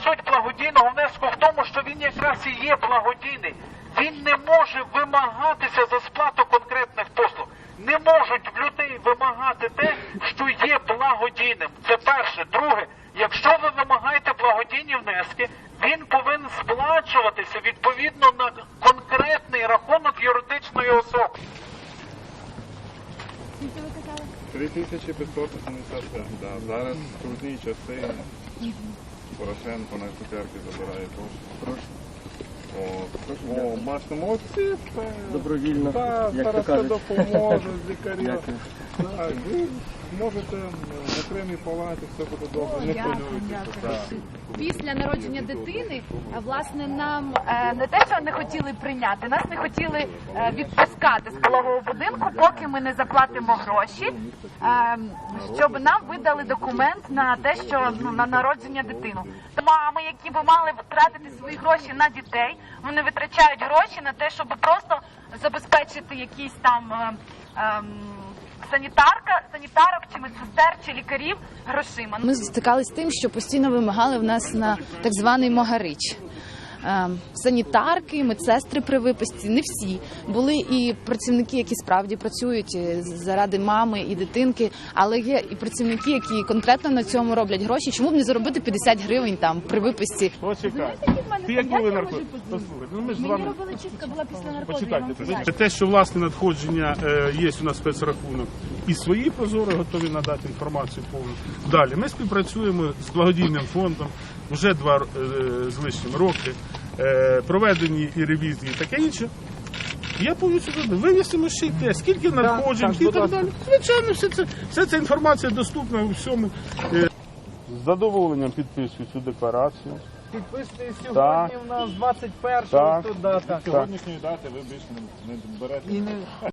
суть благодійного внеску в тому, що він якраз і є благодійний. Він не може вимагатися за сплату конкретних послуг. Не можуть в людей вимагати те, що є благодійним. Це перше. Друге, якщо ви вимагаєте благодійні внески, він повинен сплачуватися відповідно на конкретний рахунок юридичної особи. 3587, да. Зараз трудні часи. Порошенко на цукерки забирає кошти. О, бачите, молодці. Добровільно, Так, як то зараз все кажуть. допоможуть, лікарі. Дякую. Так, ви можете в окремій палаті, все буде добре, не хвилюйтеся. Так. Після народження дитини, власне, нам не те, що не хотіли прийняти, нас не хотіли відпускати з пологового будинку, поки ми не заплатимо гроші, щоб нам видали документ на те, що на народження дитини. Мами, які б мали втратити свої гроші на дітей, вони витрачають гроші на те, щоб просто забезпечити якісь там санітарок, чи медсестер, чи лікарів грошима. Ми стикалися з тим, що постійно вимагали в нас на так званий могарич. Санітарки, медсестри при виписці, не всі. Були і працівники, які справді працюють заради мами і дитинки, але є і працівники, які конкретно на цьому роблять гроші. Чому б не заробити 50 гривень там при виписці? Почекай. Ти як були наркотики? Послухайте, ну ми ж з вами... робили чистка, була після Почекайте. Те, що власне надходження є у нас спецрахунок, і свої прозоро готові надати інформацію повну. Далі ми співпрацюємо з благодійним фондом вже 2 з лишнім роки. Проведені і ревізії, і таке інше. Я повністю винесемо ще й те, скільки надходжень і так далі. Звичайно, вся ця інформація доступна у всьому. З задоволенням підписую цю декларацію. Підписує сьогодні у нас 21-го. Сьогоднішньої дати ви більше не берете.